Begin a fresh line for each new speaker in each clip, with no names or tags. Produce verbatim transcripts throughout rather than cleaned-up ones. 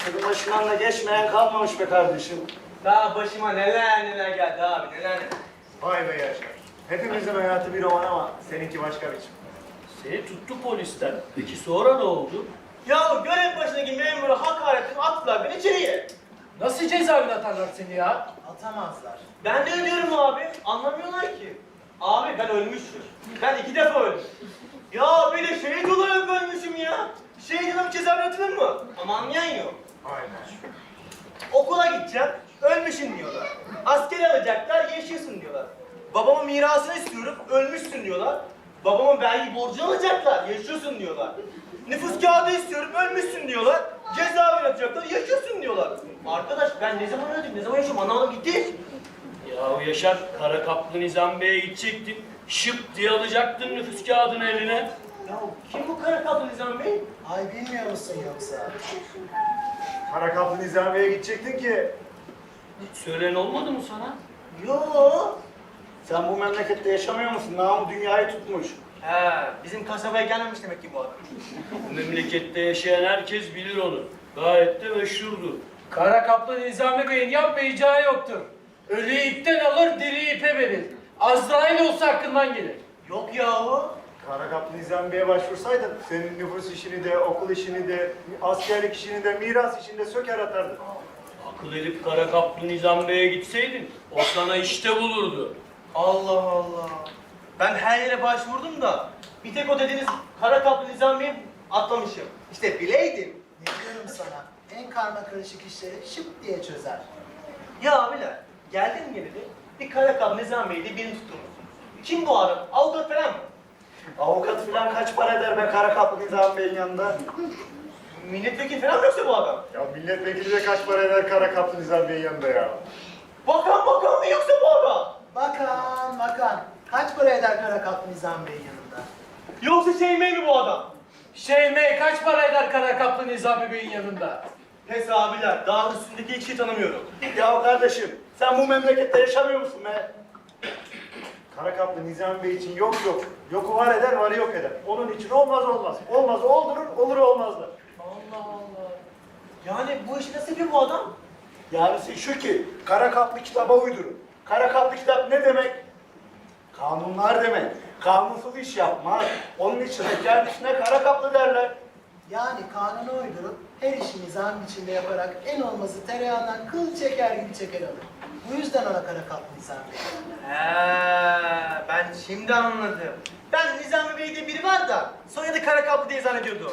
Senin başından da geçmeyen kalmamış be kardeşim.
Daha başıma neler neler geldi abi, neler neler.
Vay be Yaşar. Hepimizin hayatı bir roman ama seninki başka biçim.
Seni tuttu polisten. Peki sonra ne oldu?
Ya görev başındaki memura hakaretin attılar beni içeriye.
Nasıl cezaevine atarlar seni ya?
Atamazlar.
Ben de ödüyorum abi, anlamıyorlar ki. Abi ben ölmüşüm. Ben iki defa öldüm. Ya bir de şehit olarak ölmüşüm ya. Şehit adam cezaevine atılır mı? Ama anlayan yok.
Aynen.
Okula gideceğim, ölmüşsün diyorlar. Askeri alacaklar, yaşıyorsun diyorlar. Babamın mirasını istiyorum, ölmüşsün diyorlar. Babamın vergi borcunu alacaklar, yaşıyorsun diyorlar. Nüfus kağıdı istiyorum, ölmüşsün diyorlar. Cezaevine atacaklar, yaşıyorsun diyorlar. Arkadaş ben ne zaman öldüm, ne zaman yaşıyorum anlamadım gitti.
Yahu Yaşar, kara kaplı Nizam Bey'e gidecektin. Şıp diye alacaktın nüfus kağıdını eline.
Ya kim bu kara kaplı Nizam Bey?
Ay bilmiyor musun yoksa?
Karakaplı Nizamiye'ye gidecektin ki
Hiç söyleyen olmadı mı sana?
Yo.
Sen bu memlekette yaşamıyor musun? Namı dünyayı tutmuş.
He, bizim kasabaya gelmemiş demek ki bu adam.
Bu memlekette yaşayan herkes bilir onu. Gayet de meşhurdur.
Kara kaplı Nizami Bey'in yapmayacağı yoktur. Ölüyü ipten alır, diriyi ipe verir. Azrail olsa hakkından gelir.
Yok yahu.
Karakaplı Nizamiye'ye başvursaydın senin nüfus işini de, okul işini de, askerlik işini de, miras işini de söker atardın.
Akıl edip kara kaplı Nizam Bey'e gitseydin, o sana işte bulurdu.
Allah Allah. Ben her yere başvurdum da bir tek o dediğiniz kara kaplı Nizami'yi atlamışım. İşte bileydim.
Ne diyorum sana? En karma karışık işleri şıp diye çözer.
Ya abiler, geldin geleli bir kara kaplı Nizami'yle birini tutturmuşsunuz. Kim bu adam? Avukat falan mı?
Avukat filan kaç para eder be kara kaplı Nizam Bey'in yanında?
Milletvekili falan mı yoksa bu adam?
Ya milletvekili de kaç para eder Karakaplı Nizamiye'nin yanında ya?
Bakan bakan mı yoksa bu adam?
Bakan bakan. Kaç para eder kara kaplı Nizam Bey'in yanında?
Yoksa şey mi bu adam?
Şey Bey kaç para eder kara kaplı Nizami Bey'in yanında?
Neyse abiler, daha üstündeki hiç kişiyi tanımıyorum.
Ya kardeşim sen bu memlekette yaşamıyor musun be?
Karakaplı Nizami Bey için yok yok. Yoku var eder, varı yok eder. Onun için olmaz olmaz. Olmaz oldurur, olur olmazlar.
Allah Allah. Yani bu işi nasıl yapıyor bu adam?
Yani şu ki kara kaplı kitaba uydurun. Kara kaplı kitap ne demek? Kanunlar demek. Kanunsuz iş yapmaz. Onun için de kendisine kara kaplı derler.
Yani kanunu uydurup her işi nizam içinde yaparak en olmazı tereyağından kıl çeker gibi çeker alır. Bu yüzden ona kara kaplı Nizam Bey.
He, ben şimdi anladım. Ben Nizami Bey diye biri var da soyadı kara kaplı diye zannediyordum.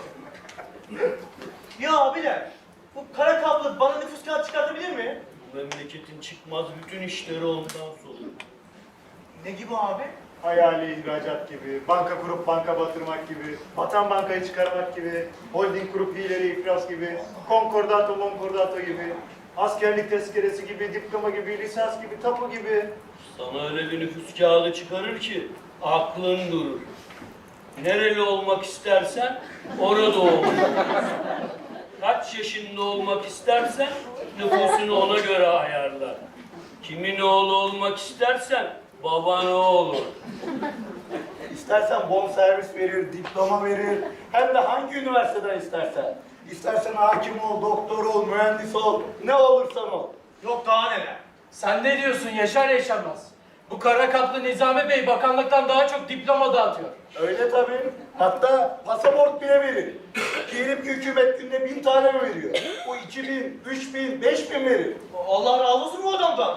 Ya abiler, bu kara kaplı bana nüfus kağıdı çıkartabilir mi?
Bu memleketin çıkmaz bütün işleri ondan sorulur.
Ne gibi abi?
Hayali ihracat gibi, banka kurup banka batırmak gibi, vatan bankayı çıkarmak gibi, holding kurup hileri iflas gibi, konkordato monkordato gibi, askerlik tezkeresi gibi, diploma gibi, lisans gibi, tapu gibi.
Sana öyle bir nüfus kağıdı çıkarır ki aklın durur. Nereli olmak istersen orada ol. Kaç yaşında olmak istersen nüfusunu ona göre ayarlar. Kimin oğlu olmak istersen baban o olur.
İstersen bonservis verir, diploma verir. Hem de hangi üniversiteden istersen. İstersen hakim ol, doktor ol, mühendis ol. Ne olursan ol.
Yok daha neler.
Sen ne diyorsun Yaşar Yaşanmaz? Bu kara kaplı Nizami Bey bakanlıktan daha çok diploma dağıtıyor.
Öyle tabii. Hatta pasaport bile verir. Diyelim ki hükümet günde bin tane mi veriyor? O iki bin, üç bin, beş bin verir.
Allah razı olsun bu adamdan.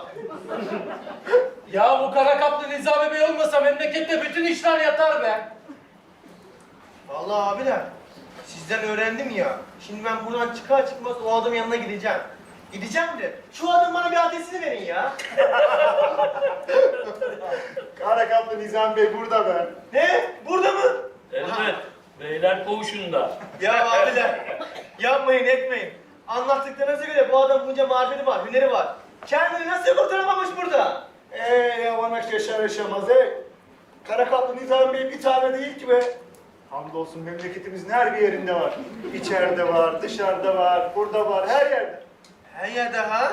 Ya bu kara kaplı Nizami Bey olmasa memlekette bütün işler yatar be.
Vallahi abiler, sizden öğrendim ya. Şimdi ben buradan çıkar çıkmaz o adamın yanına gideceğim. Gideceğim de şu adam bana bir adresini verin ya.
Karakaplı Nizami Bey burada be.
Ne? Burada mı?
Evet, beyler koğuşunda.
Ya abiler, yapmayın etmeyin. Anlattıklarınıza göre bu adam bunca marifeti var, hüneri var. Kendini nasıl kurtaramamış burada?
Eee yavanak yaşar yaşamaz e. Karakaplı Nizam Bey bir tane değil ki be.
Hamdolsun memleketimizin her bir yerinde var. İçeride var, dışarıda var, burada var, her yerde.
Her yerde ha?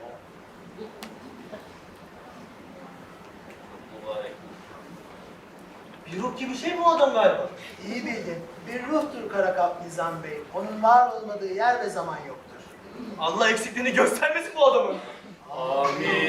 Mübarek.
Bir ruh gibi şey bu adam galiba.
İyi bildin. Bir ruhtur kara kaplı Nizam Bey. Onun var olmadığı yer ve zaman yoktur.
Allah eksikliğini göstermesin bu adamın.
Amin.